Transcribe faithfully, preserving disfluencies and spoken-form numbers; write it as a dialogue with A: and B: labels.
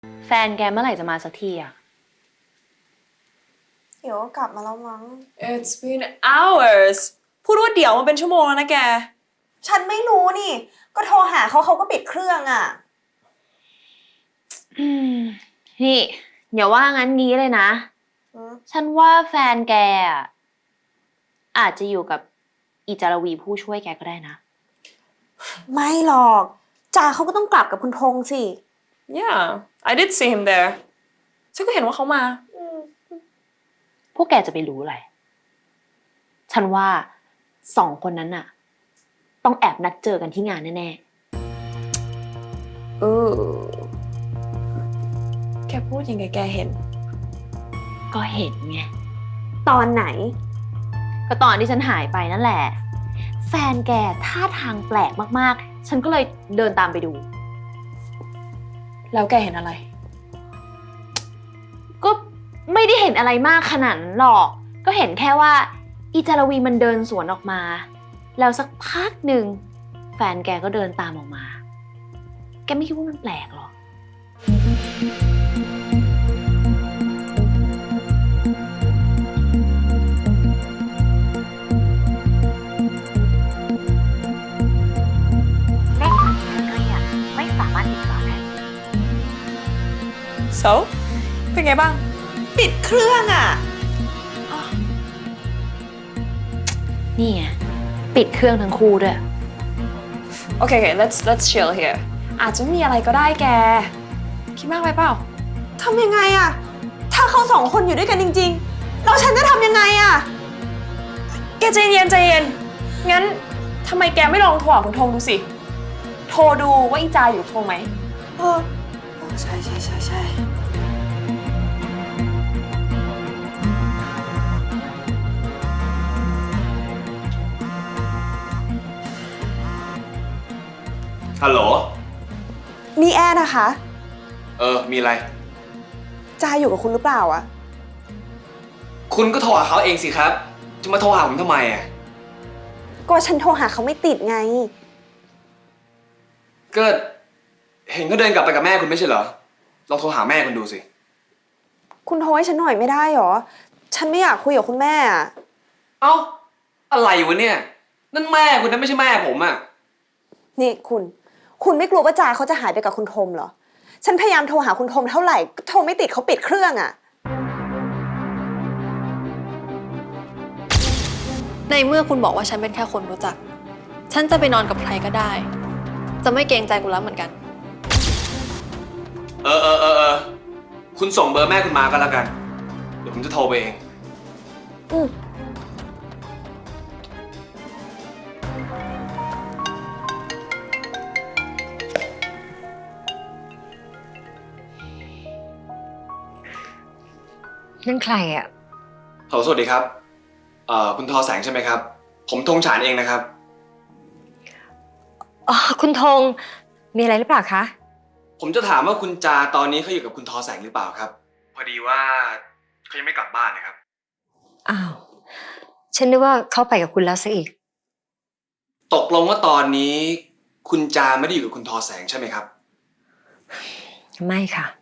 A: แฟนแกเมื่อไหร่จะมาสักทีอะ
B: เดี๋ยวก็กลับมาแล้วมั้ง
C: It's been hours พูดว่าเดี๋ยวมันเป็นชั่วโมงแล้วนะแก
B: ฉันไม่รู้นี่ ก็โทรหาเขาเขาก็ปิดเครื่องอ่ะ
A: อืมนี่อย่าว่างั้นงี้เลยนะ ฉันว่าแฟนแกอะอาจจะอยู่กับอีจารวีผู้ช่วยแกก็ได้นะ
B: ไม่หรอกจ่าเขาก็ต้องกลับกับคุณธงสิ
C: Yeah I did see him there ฉันก็เห็นว่าเขามา
A: พวกแกจะไปรู้อะไร ฉันว่าสองคนนั้นน่ะ ต้องแอบนัดเจอกันที่งานแน่ๆเออ
C: แกพูดยังไงแกเห็น
A: ก็เห็นไง
B: ตอนไหน
A: ก็ตอนที่ฉันหายไปนั่นแหละ แฟนแกท่าทางแปลกมากๆ ฉันก็เลยเดินตามไปดู
C: แล้วแกเห็นอะไร
A: ก็ไม่ได้เห็นอะไรมากขนาดนั้นหรอก ก็เห็นแค่ว่าอีจารวีมันเดินสวนออกมา แล้วสักพักหนึ่งแฟนแกก็เดินตามออกมา แกไม่คิดว่ามันแปลกหรอ เลขที่ท่านเรียกไม่สามารถติดต่อได้
C: so เป็นไงบ้าง
B: ปิดเครื่องอ่ะ
A: นี่ไงปิดเครื่องทั้งคู่ด้วย
C: โอเคโอเค let's let's chill here อาจจะไม่มีอะไรก็ได้แก คิดมากไปเปล่า
B: ทำยังไงอ่ะ ถ้าเขาสองคนอยู่ด้วยกันจริงๆ แล้วฉันจะทำยังไงอ่ะ
C: แกใจเย็นใจเย็น งั้นทำไมแกไม่ลองโทรหาคุณธงดูสิ โทรดูว่าอีจาอยู่กับธงไหม
B: เออใช่ใช่ใช่ใช่
D: ฮัลโหล
B: นี่แอร์นะคะ
D: เออ มีอะไร
B: จ่าอยู่กับคุณหรือเปล่าอ่ะ
D: คุณก็โทรหาเขาเองสิครับ จะมาโทรหาผมทำไมอ่ะ
B: ก็ฉันโทรหาเขาไม่ติดไง
D: ก็เห็นเขาเดินกลับไปกับแม่คุณไม่ใช่เหรอ ลองโทรหาแม่คุณดูสิ
B: คุณโทรให้ฉันหน่อยไม่ได้หรอ ฉันไม่อยากคุยกับคุณแม่อ่ะ
D: เอ้า อะไรวะเนี่ย นั่นแม่คุณนะไม่ใช่แม่ผมอ่ะ
B: นี่คุณ คุณไม่กลัวว่าจ่าเขาจะหายไปกับคุณธมเหรอ ฉันพยายามโทรหาคุณธมเท่าไหร่ก็โทรไม่ติดเขาปิดเครื่องอ่ะ
E: ในเมื่อคุณบอกว่าฉันเป็นแค่คนรู้จัก ฉันจะไปนอนกับใครก็ได้ จะไม่เกรงใจคุณแล้วเหมือนกัน
D: เออเออเออเออคุณส่งเบอร์แม่คุณมาก็แล้วกัน เดี๋ยวผมจะโทรไปเอง
B: อืม
F: นั่นใครอ่ะ
D: ฮัลโหลสวัสดีครับ เอ่อ คุณทอแสงใช่ไหมครับ ผมธงฉานเองนะครับ
F: อ๋อ คุณธง มีอะไรหรือเปล่าคะ
D: ผมจะถามว่าคุณจาตอนนี้เขาอยู่กับคุณทอแสงหรือเปล่าครับ พอดีว่าเขายังไม่กลับบ้านนะครับ
F: อ้าว ฉันนึกว่าเขาไปกับคุณแล้วซะอีก
D: ตกลงว่าตอนนี้คุณจาไม่ได้อยู่กับคุณทอแสงใช่ไหมครับ
F: ไม่ค่ะ